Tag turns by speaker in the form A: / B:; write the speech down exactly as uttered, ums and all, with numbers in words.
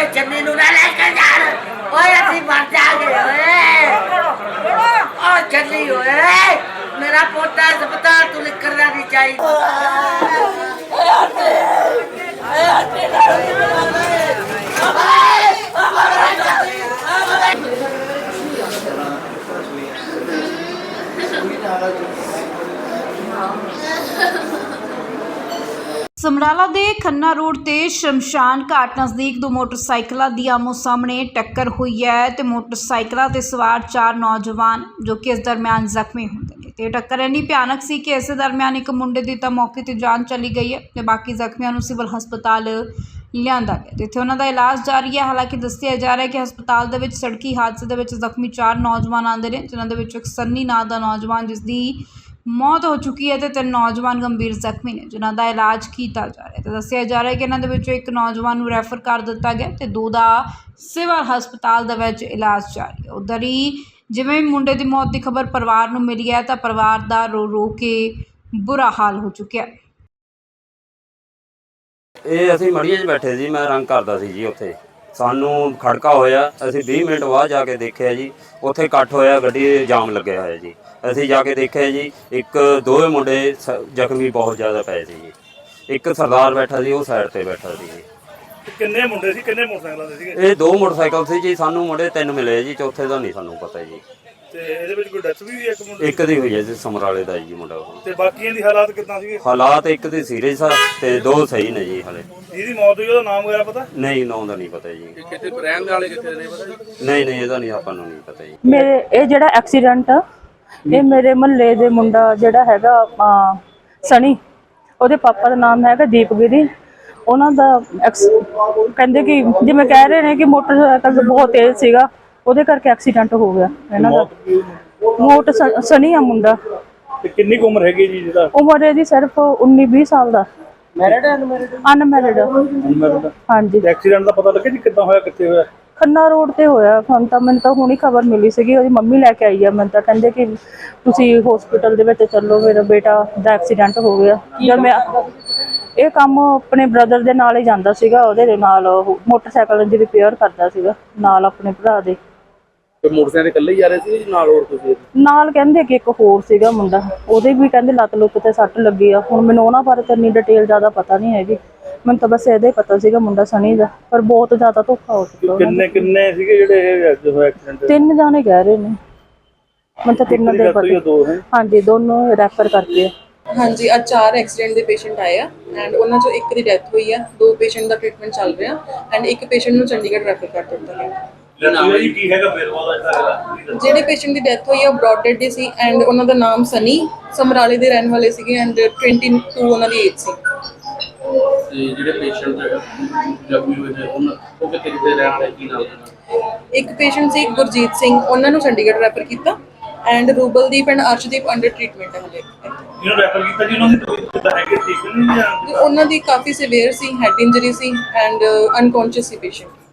A: चन्नी नूं ना लेके जान ओए असीं मर जागे ओए ओ चन्नी ओए मेरा पोता अस्पताल तू निकलना नहीं
B: ਸਮਰਾਲਾ ਦੇ ਖੰਨਾ ਰੋਡ ਤੇ ਸ਼ਮਸ਼ਾਨ ਘਾਟ ਨਜ਼ਦੀਕ ਦੋ ਮੋਟਰਸਾਈਕਲਾਂ ਦੀ ਆਮੋ ਸਾਹਮਣੇ ਟੱਕਰ ਹੋਈ ਹੈ ਤੇ ਮੋਟਰਸਾਈਕਲਾਂ ਤੇ ਸਵਾਰ ਚਾਰ ਨੌਜਵਾਨ ਜੋ ਕਿ ਇਸ ਦਰਮਿਆਨ ਜ਼ਖਮੀ ਹੁੰਦੇ ਨੇ ਤੇ ਟੱਕਰ ਇੰਨੀ ਭਿਆਨਕ ਸੀ ਕਿ ਇਸੇ ਦਰਮਿਆਨ ਇੱਕ ਮੁੰਡੇ ਦੀ ਤਾਂ ਮੌਕੇ ਤੇ ਜਾਨ ਚਲੀ ਗਈ ਹੈ ਤੇ ਬਾਕੀ ਜ਼ਖਮੀਆਂ ਨੂੰ ਸਿਵਲ ਹਸਪਤਾਲ ਲਿਆਂਦਾ ਗਿਆ ਜਿੱਥੇ ਉਹਨਾਂ ਦਾ ਇਲਾਜ ਜਾਰੀ ਹੈ। ਹਾਲਾਂਕਿ ਦੱਸਿਆ ਜਾ ਰਿਹਾ ਹੈ ਕਿ ਹਸਪਤਾਲ ਦੇ ਵਿੱਚ ਸੜਕੀ ਹਾਦਸੇ ਦੇ ਵਿੱਚ ਜ਼ਖਮੀ ਚਾਰ ਨੌਜਵਾਨ ਆਉਂਦੇ ਨੇ ਜਿਨ੍ਹਾਂ ਦੇ ਵਿੱਚੋਂ ਇੱਕ ਸੰਨੀ ਨਾਂ ਦਾ ਨੌਜਵਾਨ ਜਿਸ ਦੀ मौत हो चुकी है तो तीन नौजवान गंभीर जख्मी ने जिन्हों का इलाज किया जा रहा है। तो दसिया जा रहा है कि इन्हों के एक नौजवान को रैफर कर दिता गया तो दो का सिविल हस्पताल के इलाज जारी है। उधर ही जिवें मुंडे की मौत की खबर परिवार को मिली है तो परिवार का रो रो के बुरा हाल हो चुका है।
C: ਇਹ ਅਸੀਂ ਮੜੀਏ 'ਚ ਬੈਠੇ ਸੀ, ਮੈਂ ਰੰਗ ਕਰਦਾ ਸੀ ਜੀ। ਉੱਥੇ ਸਾਨੂੰ ਖੜਕਾ ਹੋਇਆ, ਅਸੀਂ ਵੀਹ ਮਿੰਟ ਬਾਅਦ ਜਾ ਕੇ ਦੇਖਿਆ ਜੀ ਉੱਥੇ ਇਕੱਠ ਹੋਇਆ, ਗੱਡੀ ਜਾਮ ਲੱਗਿਆ ਹੋਇਆ ਜੀ। ਅਸੀਂ ਜਾ ਕੇ ਦੇਖਿਆ ਜੀ ਇੱਕ ਦੋਵੇਂ ਮੁੰਡੇ ਜ਼ਖਮੀ ਬਹੁਤ ਜ਼ਿਆਦਾ ਪਏ ਸੀ ਜੀ। ਇੱਕ ਸਰਦਾਰ ਬੈਠਾ ਸੀ, ਉਹ ਸਾਈਡ ਤੇ ਬੈਠਾ ਸੀ ਜੀ।
D: ਕਿੰਨੇ ਮੁੰਡੇ ਸੀ, ਕਿੰਨੇ ਮੋਟਰਸਾਈਕਲਾਂ ਦੇ ਸੀਗੇ?
C: ਇਹ ਦੋ ਮੋਟਰਸਾਈਕਲ ਸੀ ਜੀ। ਸਾਨੂੰ ਮੁੰਡੇ ਤਿੰਨ ਮਿਲੇ ਜੀ, ਚੌਥੇ ਦਾ ਨਹੀਂ ਸਾਨੂੰ ਪਤਾ ਜੀ।
D: ਤੇ ਇਹਦੇ ਵਿੱਚ ਕੋਈ ਡੈਥ ਵੀ ਹੋਈ ਇੱਕ ਮੁੰਡੇ
C: ਇੱਕ ਦੀ ਹੋਈ ਹੈ ਜੀ, ਸਮਰਾਲੇ ਦਾ ਜੀ ਮੁੰਡਾ।
D: ਤੇ ਬਾਕੀਆਂ ਦੀ ਹਾਲਾਤ ਕਿੱਦਾਂ ਸੀਗੇ?
C: ਹਾਲਾਤ ਇੱਕ ਦੀ ਸੀਰੀਅਸ ਆ ਤੇ ਦੋ ਸਹੀ ਨੇ ਜੀ। ਹਲੇ
D: ਜਿਹਦੀ ਮੌਤ ਹੋਈ ਉਹਦਾ ਨਾਮ ਵਗੈਰਾ ਪਤਾ?
C: ਨਹੀਂ, ਨਾਂ ਦਾ ਨਹੀਂ ਪਤਾ ਜੀ।
D: ਕਿਤੇ ਰਹਿਣ ਵਾਲੇ ਕਿੱਥੇ ਦੇ ਪਤਾ?
C: ਨਹੀਂ ਨਹੀਂ, ਇਹਦਾ ਨਹੀਂ ਆਪਾਂ ਨੂੰ ਨਹੀਂ ਪਤਾ ਜੀ।
E: ਮੇਰੇ ਇਹ ਜਿਹੜਾ ਐਕਸੀਡੈਂਟ ਆ ਇਹ ਮੇਰੇ ਮਹੱਲੇ ਦੇ ਮੁੰਡਾ ਜਿਹੜਾ ਹੈਗਾ ਸਣੀ, ਉਹਦੇ ਪਾਪਾ ਦਾ ਨਾਮ ਹੈਗਾ ਦੀਪਗਿਰੀ। ਉਹਨਾਂ ਦਾ ਕਹਿੰਦੇ ਕਿ ਜਿਵੇਂ ਕਹਿ ਰਹੇ ਨੇ ਕਿ ਮੋਟਰਸਾਈਕਲ ਬਹੁਤ ਤੇਜ਼ ਸੀਗਾ, ਉਹਦੇ ਕਰਕੇ ਐਕਸੀਡੈਂਟ ਹੋ ਗਿਆ ਇਹਨਾਂ ਦਾ। ਮੋਟ ਸਣੀ ਆ ਮੁੰਡਾ।
D: ਤੇ ਕਿੰਨੀ ਕੁ ਉਮਰ ਹੈਗੀ ਜੀ ਜਿਹਦਾ?
E: ਉਮਰ ਇਹਦੀ ਸਿਰਫ ਉੱਨੀ ਵੀਹ ਸਾਲ ਦਾ। ਮੈਰਿਡ ਹੈ? ਅਨਮੈਰਿਡ? ਅਨਮੈਰਿਡ। ਹਾਂਜੀ।
D: ਐਕਸੀਡੈਂਟ ਦਾ ਪਤਾ ਲੱਗਿਆ ਜੀ ਕਿੱਦਾਂ ਹੋਇਆ, ਕਿੱਥੇ ਹੋਇਆ?
E: ਖੰਨਾ ਰੋਡ ਤੇ ਹੋਇਆ। ਹੁਣ ਤਾਂ ਮੈਨੂੰ ਤਾਂ ਹੁਣੀ ਖਬਰ ਮਿਲੀ ਸੀਗੀ, ਉਹਦੀ ਮੰਮੀ ਲੈ ਕੇ ਆਈ ਆ। ਮੈਨੂੰ ਤਾਂ ਕਹਿੰਦੇ ਕਿ ਤੁਸੀਂ ਹਸਪੀਟਲ ਦੇ ਵਿੱਚ ਚੱਲੋ, ਮੇਰਾ ਬੇਟਾ ਦਾ ਐਕਸੀਡੈਂਟ ਹੋ ਗਿਆ। ਜਦ ਮੈਂ ਇਹ ਕੰਮ ਆਪਣੇ ਬ੍ਰਦਰ ਦੇ ਨਾਲ ਹੀ ਜਾਂਦਾ ਸੀਗਾ, ਉਹਦੇ ਨਾਲ ਮੋਟਰਸਾਈਕਲ ਦੀ ਰਿਪੇਅਰ ਕਰਦਾ ਸੀਗਾ ਨਾਲ ਆਪਣੇ ਭਰਾ ਦੇ।
F: ਤੇ ਮੋਟਰਸਾਈਕਲ ਇਕੱਲੇ ਹੀ ਜਾ ਰਹੇ ਸੀ ਨਾਲ ਹੋਰ ਤੁਸੀਂ?
E: ਨਾਲ ਕਹਿੰਦੇ ਕਿ ਇੱਕ ਹੋਰ ਸੀਗਾ ਮੁੰਡਾ, ਉਹਦੇ ਵੀ ਕਹਿੰਦੇ ਲੱਤ ਲੁੱਤ ਤੇ ਸੱਟ ਲੱਗੀ ਆ। ਹੁਣ ਮੈਨੂੰ ਉਹਨਾਂ ਬਾਰੇ ਤਾਂ ਇੰਨੀ ਡਿਟੇਲ ਜ਼ਿਆਦਾ ਪਤਾ ਨਹੀਂ ਹੈਗੀ, ਮੈਨੂੰ ਤਾਂ ਬਸ ਇਹਦਾ ਹੀ ਪਤਾ ਸੀਗਾ ਮੁੰਡਾ ਸਣੀ ਦਾ। ਪਰ ਬਹੁਤ ਜ਼ਿਆਦਾ ਧੋਖਾ ਹੋ ਚੁੱਕਾ।
D: ਕਿੰਨੇ ਕਿੰਨੇ ਸੀਗੇ ਜਿਹੜੇ ਐਕਸੀਡੈਂਟ?
E: ਤਿੰਨ ਜਾਣੇ ਕਹਿ ਰਹੇ ਨੇ, ਮੈਨੂੰ ਤਾਂ ਤਿੰਨਾਂ ਦੇ ਪਤਾ। ਹਾਂਜੀ, ਦੋਨੋਂ ਰੈਫਰ ਕਰਕੇ।
G: ਹਾਂਜੀ, ਅੱਜ ਚਾਰ ਐਕਸੀਡੈਂਟ ਦੇ ਪੇਸ਼ੈਂਟ ਆਏ ਆ ਐਂਡ ਉਹਨਾਂ ਚੋਂ ਇੱਕ ਦੀ ਡੈਥ ਹੋਈ ਆ। ਦੋ ਪੇਸ਼ੈਂਟ ਦਾ ਟ੍ਰੀਟਮੈਂਟ ਚੱਲ ਰਿਹਾ ਐਂਡ ਇੱਕ ਪੇਸ਼ੈਂਟ ਨੂੰ ਚੰਡੀਗੜ੍ਹ ਰੈਫਰ ਕਰ ਦਿੱਤਾ ਗਿਆ।
D: ਕੀ ਹੈਗਾ ਫਿਰ ਉਹਦਾ?
G: ਜਿਹੜੇ ਪੇਸ਼ੈਂਟ ਦੀ ਡੈਥ ਹੋਈ ਆ ਉਹ ਬ੍ਰੌਡ ਡੈਡ ਦੀ ਸੀ ਐਂਡ ਉਹਨਾਂ ਦਾ ਨਾਮ ਸਨੀ, ਸਮਰਾਲੇ ਦੇ ਰਹਿਣ ਵਾਲੇ ਸੀਗੇ ਐਂਡ ਬਾਈ ਉਹਨਾਂ ਦੀ ਏਜ ਸੀ।
F: ਤੇ ਜਿਹੜੇ ਪੇਸ਼ੈਂਟ ਜ਼ਖਮੀ ਹੋਏ ਨੇ ਉਹਨਾਂ ਉਹ ਕਿੱਥੇ ਕਿੱਥੇ ਰਹਿਣ ਵਾਲੇ, ਕੀ ਨਾਮ?
G: ਇੱਕ ਪੇਸ਼ੈਂਟ ਸੀ ਗੁਰਜੀਤ ਸਿੰਘ, ਉਹਨਾਂ ਨੂੰ ਚੰਡੀਗੜ੍ਹ ਰੈਫਰ ਕੀਤਾ and Rubaldeep and Arshdeep under treatment ਹੈ ਹਲੇ।
D: ਜਿਹਨੂੰ ਰੈਫਰ ਕੀਤਾ ਜੀ ਉਹਨਾਂ ਦੀ ਤਬੀਅਤ ਕਿੱਦਾਂ ਹੈਗੀ, ਠੀਕ ਨਹੀਂ ਜਾਂ?
G: ਉਹਨਾਂ ਦੀ ਕਾਫੀ ਸੀਵੀਅਰ ਸੀ, ਹੈਡ ਇੰਜਰੀ ਸੀ ਐਂਡ ਅਨਕੌਂਸ਼ੀਅਸ ਸੀ ਪੇਸ਼ੈਂਟ।